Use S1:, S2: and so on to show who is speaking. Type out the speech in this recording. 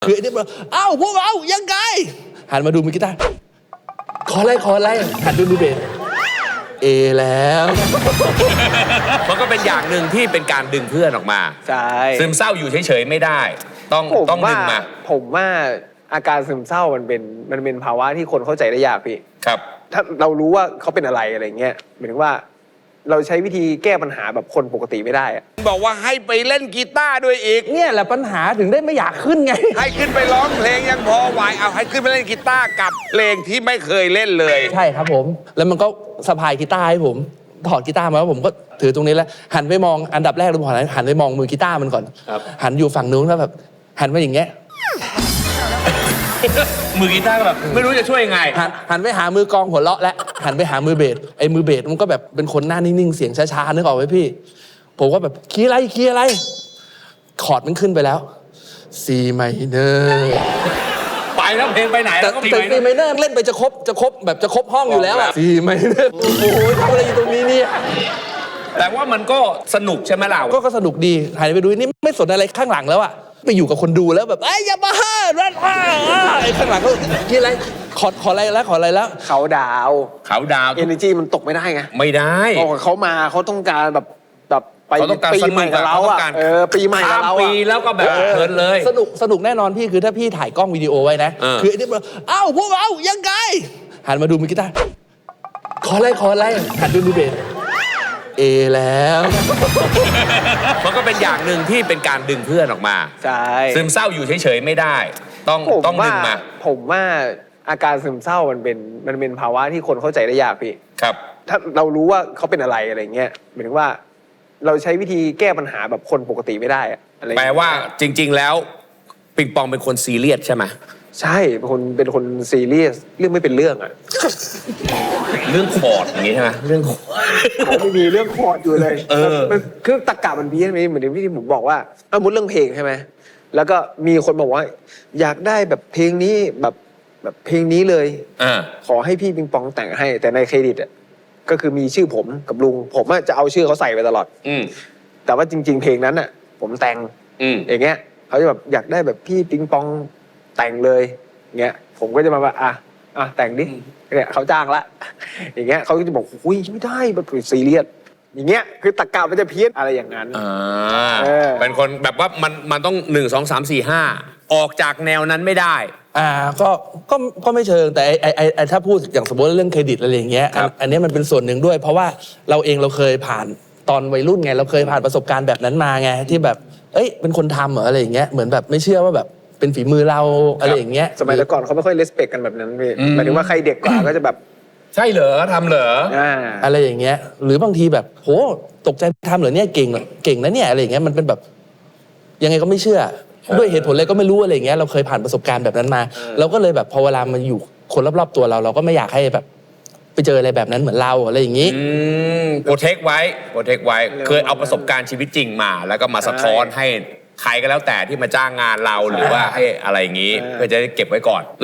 S1: คือไอ้นี่บอกเอ้าพวกเรายังไงหันมาดูมือกีตาร์ขออะไรหันดูมือเบสเอแล้ว
S2: มันก็เป็นอย่างหนึ่งที่เป็นการดึงเพื่อนออกมา
S3: ใช่
S2: ซึมเศร้าอยู่เฉยๆไม่ได้ ต้องดึงมา
S3: ผมว่าอาการซึมเศร้ามันเป็นภาวะที่คนเข้าใจได้ยากพี่
S2: ครับ
S3: ถ้าเรารู้ว่าเขาเป็นอะไรเงี้ยหมายถึงว่าเราใช้วิธีแก้ปัญหาแบบคนปกติไม่ได้อะ
S4: บอกว่าให้ไปเล่นกีตาร์ด้วยอีก
S1: เนี่ยแหละปัญหาถึงได้ไม่อยากขึ้นไง
S4: ให้ขึ้นไปร้องเพลงยังพอไหวเอาให้ขึ้นไปเล่นกีตาร์กับเพลงที่ไม่เคยเล่นเลย
S1: ใช่ครับผม แล้วมันก็สะพายกีตาร์ให้ผมถอดกีตาร์มาแล้วผมก็ถือตรงนี้แล้วหันไปมองอันดับแรกเลยผมหันไปมองมือกีตาร์มันก่อนหันอยู่ฝั่งนู้นแล้วแบบหันมาอย่างเงี้ย
S2: มือกีตาร์ก็แบบไม่รู้จะช่วยยังไง
S1: หันไปหามือกลองหัวเราะและหันไปหามือเบสไอ้มือเบสมันก็แบบเป็นคนหน้านิ่งๆเสียงช้าๆนึกออกไหมพี่ผมก็แบบคีย์อะไรคอร์ดมันขึ้นไปแล้ว C minor
S2: ไปแล้วเพลงไปไหน
S1: แต่
S2: แล้วก็
S1: C minor เล่นไปจะครบห้องอยู่แล้วอะ C minor โอ้โหทำอะไรอยู่ตรงนี้เนี่ย
S2: แต่ว่ามันก็สนุกใช่ไหมล่ะ
S1: ก็สนุกดีหันไปดูนี่ไม่สนอะไรข้างหลังแล้วอะไปอยู่กับคนดูแล้วแบบไอ้ยาบ้ารันไอ้ข้างหลังก็กินอะไรขออะไรแล้ว
S3: เขาดาว
S2: เขาดาว
S3: เอเนจีมันตกไม่ได้ไง
S2: ไม่ได้
S3: พอเขามาเขาต้องการแบบไป
S2: เขาต้องการ
S3: ปี
S2: สนุก
S3: ใหม่กับเรา
S2: เขาต้
S3: อ่ะ
S2: องการ
S3: ปีใหม่กับ
S2: ข้าม
S3: เรา
S2: ปี
S3: อ่ะ
S2: แล้วก็แบบเพลินเลย
S1: สนุกแน่นอนพี่คือถ้าพี่ถ่ายกล้องวิดีโอไว้นะ คือไอ้นี่บอกเอ้าพวกเรายังไงหันมาดูมือกีตาร์ขออะไรหันดูมือเบสเอแล้ว
S2: มันก็เป็นอย่างหนึ่งที่เป็นการดึงเพื่อนออกมา
S3: ใช่
S2: ซึมเศร้าอยู่เฉยๆไม่ได้ ต้องดึงมา
S3: ผมว่าอาการซึมเศร้ามันเป็นภาวะที่คนเข้าใจได้ยากพี่
S2: ครับ
S3: ถ้าเรารู้ว่าเขาเป็นอะไรเงี้ยหมายถึงว่าเราใช้วิธีแก้ปัญหาแบบคนปกติไม่ได้อะอะไร
S2: แปลว่าจริงๆแล้วปิงปองเป็นคนซีเรียสใช่ไหม
S3: ใช่เป็นคนซีเรียสเรื่องไม่เป็นเรื่องอ่ะ
S2: เรื่องคอร์ดอย่างนี้ใช่ไหมเรื่องคอร์ด
S3: ไม่มีเรื่องคอร์ดอยู่เลย
S2: มัน
S3: คือตรรกะมันเพี้ยนไปเหมือนที่ผมบอกว่าสมมติเรื่องเพลงใช่ไหมแล้วก็มีคนบอกว่าอยากได้แบบเพลงนี้แบบเพลงนี้เลย ขอให้พี่ปิงปองแต่งให้ แต่ในเครดิตอ่ะก็คือมีชื่อผมกับลุงผมจะเอาชื่อเขาใส่ไปตลอดแต่ว่าจริง ๆ เพลงนั้นอ่ะ ผมแต่งอย่างเงี้ยเขาจะแบบอยากได้แบบพี่ปิงปองแต่งเลยเงี้ยผมก็จะมาว่าแต่งดิเนี่ยเขาจ้างละอย่างเงี้ยเขาก็จะบอกอุ้ยไม่ได้แบบซีเรียสอย่างเงี้ยคือตรรกะมันจะเพี้ยนอะไรอย่างนั้น
S2: เป็นคนแบบว่ามันต้อง1 2 3 4 5ออกจากแนวนั้นไม่ได้
S1: ก็ไม่เชิงแต่ไอ้ถ้าพูดอย่างสมมติเรื่องเครดิตอะไรอย่างเงี้ยอันนี้มันเป็นส่วนหนึ่งด้วย เพราะว่าเราเคยผ่านตอนวัยรุ่นไงเราเคยผ่านประสบการณ์แบบนั้นมาไงที่แบบเป็นคนทำเหรออะไรอย่างเงี้ยเหมือนแบบไม่เชื่อว่าแบบเป็นฝีมือเราอะไรอย่างเงี้ย
S3: สมัยแต่ก่อนเขาไม่ค่อยเลสเปกกันแบบนั้นพี่หมายถึงว่าใครเด็กกว่าก็จะแบบ
S2: ใช่เหรอทำเหรอ
S1: อะไรอย่างเงี้ยหรือบางทีแบบโหตกใจทำเหรอเนี่ยเก่งนะเนี่ยอะไรอย่างเงี้ยมันเป็นแบบยังไงก็ไม่เชื่อด้วยเหตุผลอะไรก็ไม่รู้อะไรอย่างเงี้ยเราเคยผ่านประสบการณ์แบบนั้นมาเราก็เลยแบบพอเวลามาอยู่คนรอบๆตัวเราก็ไม่อยากให้แบบไปเจออะไรแบบนั้นเหมือนเราอะไรอย่างงี้
S2: โปรเทคไว้เคยเอาประสบการณ์ชีวิตจริงมา แล้วก็มาสะท้อนให้ใครก็แล้วแต่ที่มาจ้างงานเราหรือว่าให้อะไรอย่างงี้เพื่อจะได้เก็บไว้ก่อน